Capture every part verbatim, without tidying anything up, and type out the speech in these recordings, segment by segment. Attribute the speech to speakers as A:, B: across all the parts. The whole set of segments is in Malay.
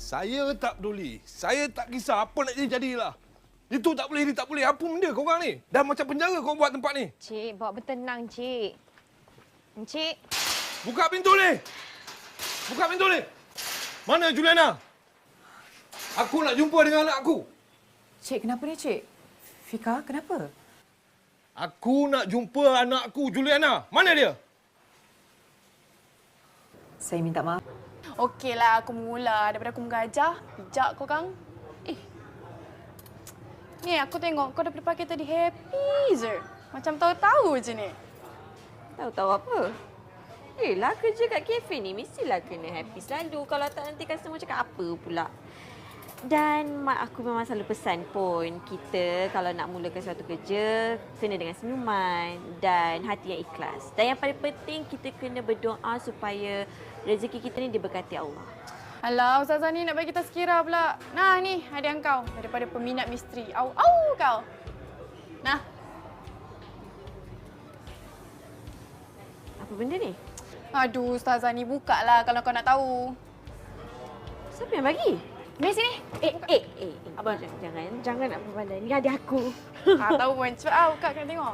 A: Saya tak peduli. Saya tak kisah apa nak jadi jadilah. Itu tak boleh, ini tak boleh. Apa benda korang ni? Dah macam penjara korang buat tempat ni.
B: Cik, bawa bertenang, Cik. Encik.
A: Buka pintu ni! Buka pintu ni! Mana Juliana? Aku nak jumpa dengan anak aku.
C: Cik, kenapa ni, Cik? Fika, kenapa?
A: Aku nak jumpa anakku, Juliana. Mana dia?
C: Saya minta maaf.
D: Okeylah, aku mula daripada aku mengajar. Bijak kau, Kang. Eh. Ni, aku tengok kau daripada pagi tadi happy je. Macam tahu-tahu je ni.
B: Tahu-tahu apa? Eh lah, kerja kat kafe ni mestilah kena happy selalu. Kalau tak, nanti customer cakap apa pula. Dan mak aku memang selalu pesan pun, kita kalau nak mulakan suatu kerja, kena dengan senyuman dan hati yang ikhlas. Dan yang paling penting, kita kena berdoa supaya rezeki kita ni diberkati Allah.
D: Alah, Ustazah ni nak bagi kita sekira pula. Nah, ni hadiah kau daripada peminat misteri. Au-au kau. Nah.
B: Apa benda ni?
D: Aduh, Ustazah ni bukalah kalau kau nak tahu.
B: Siapa yang bagi?
D: Mari sini.
B: Eh, eh, eh, eh. Abang, jangan, jangan nak berbalai. Ni hadiah aku.
D: Ah, tahu pun. Cepat ah, buka kena tengok.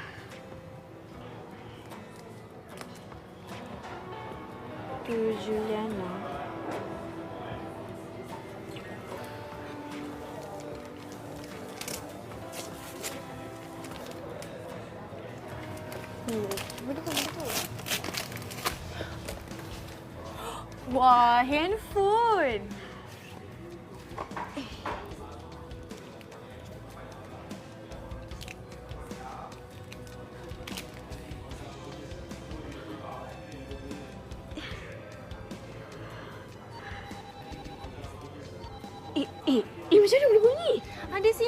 B: Tu Juliana.
D: Hmm, betul betul. Wah, handphone.
B: Eh, eh, eh macam mana boleh bunyi?
D: Ada SIM.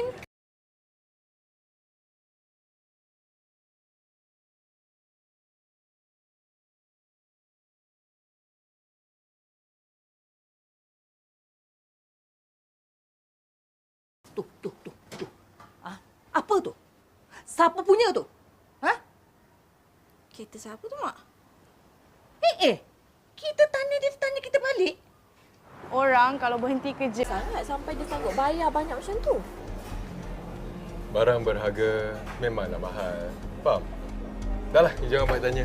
E: Tu, tu, tu, tu. Ah, apa tu? Siapa punya tu? Ha?
D: Kereta siapa tu, Mak?
E: Eh, eh. Kita tanya dia, tanya kita balik.
D: Orang kalau berhenti kerja.
B: Sangat sampai dia sanggup bayar banyak macam tu.
F: Barang berharga memanglah mahal. Faham? Dah lah, you jangan banyak tanya.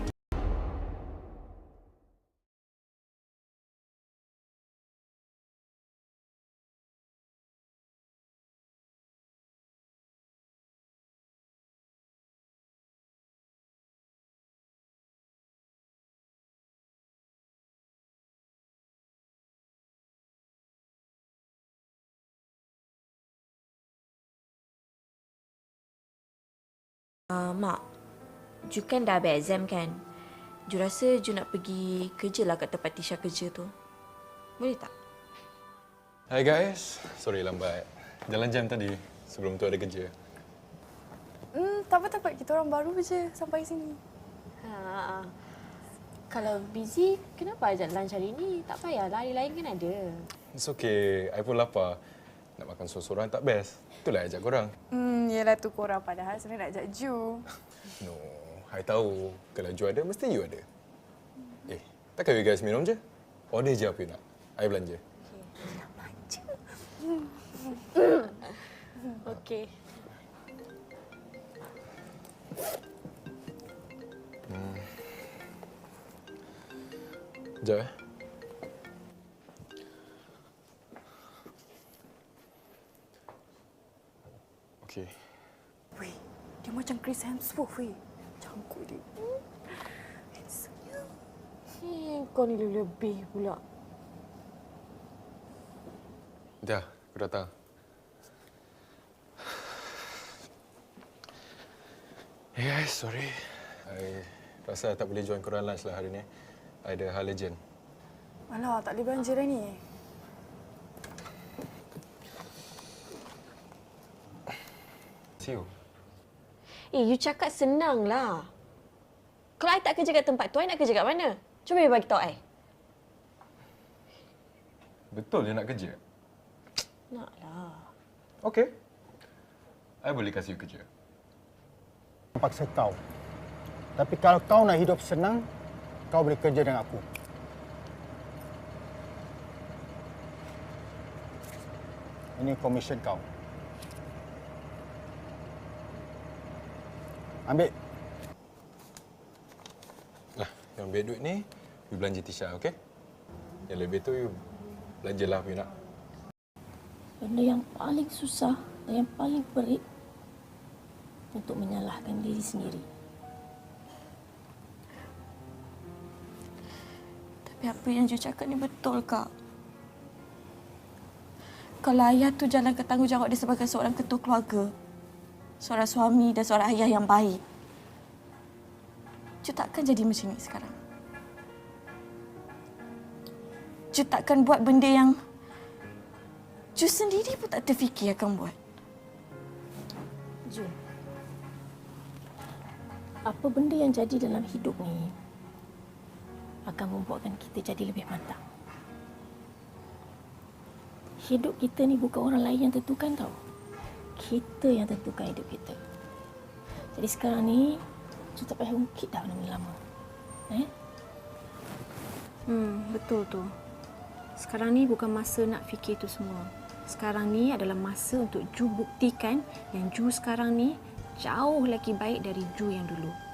B: Uh, Mak, Ju kan dah habis exam kan? Ju rasa Ju nak pergi kerja lah kat tempat Tisha kerja tu. Boleh tak?
F: Hai guys, sorry lambat. Jalan jam tadi sebelum tu ada kerja.
D: Hmm, tak apa, tak apa. Kita orang baru je sampai sini.
B: Ha, kalau busy, kenapa ajak lunch hari ni? Tak payahlah, hari lain kan ada.
F: It's okay, I pun lapar. Nak makan sorang-sorang tak best. Itulah ajak korang.
D: Hmm, yelah tu korang padahal sebenarnya nak ajak Ju.
F: No, I tahu. Kalau Ju ada, mesti you ada. Eh, takkan you guys minum je? Order je apa you nak. I belanja.
B: Okey.
F: Hmm. Sekejap eh. Okey.
D: Weh, dia macam Chris Hemsworth, weh. Cangkuk dia. Handsome-nya.
B: Eh, kau ni lebih pula.
F: Dah, aku datang. Hey guys, sorry. I rasa tak boleh join korang lunch lah hari ni. I ada hal urgent.
D: Alah, tak boleh belanja dah ni.
F: See you.
B: Eh, you cakap senang lah. Kalau I tak kerja kat tempat tu, I nak kerja kat mana? Cuba you bagi tahu I.
F: Betul dia nak kerja?
B: Naklah.
F: Okey. I boleh kasih you kerja.
G: Paksa kau. Tapi kalau kau nak hidup senang, kau boleh kerja dengan aku. Ini komisen kau. Ambil.
F: Lah, yang ambil duit ni, you belanja Tisha, okey? Yang lebih tu, you belanjalah apa you nak.
H: Benda yang paling susah dan yang paling perit untuk menyalahkan diri sendiri.
D: Tapi apa yang Ju cakap ni betul, Kak. Kalau ayah tu jalankan tanggungjawab dia sebagai seorang ketua keluarga, seorang suami dan seorang ayah yang baik, Ju takkan jadi macam ni sekarang. Ju takkan buat benda yang Ju sendiri pun tak terfikir akan buat.
H: Jun, apa benda yang jadi dalam hidup ni akan membuatkan kita jadi lebih matang. Hidup kita ni bukan orang lain yang tentukan tau. Kita yang tentukan hidup kita. Jadi sekarang ni, Ju tak payah ungkit dah benda lama. Eh?
I: Hmm, betul tu. Sekarang ni bukan masa nak fikir tu semua. Sekarang ni adalah masa untuk Ju buktikan yang Ju sekarang ni jauh lagi baik dari Ju yang dulu.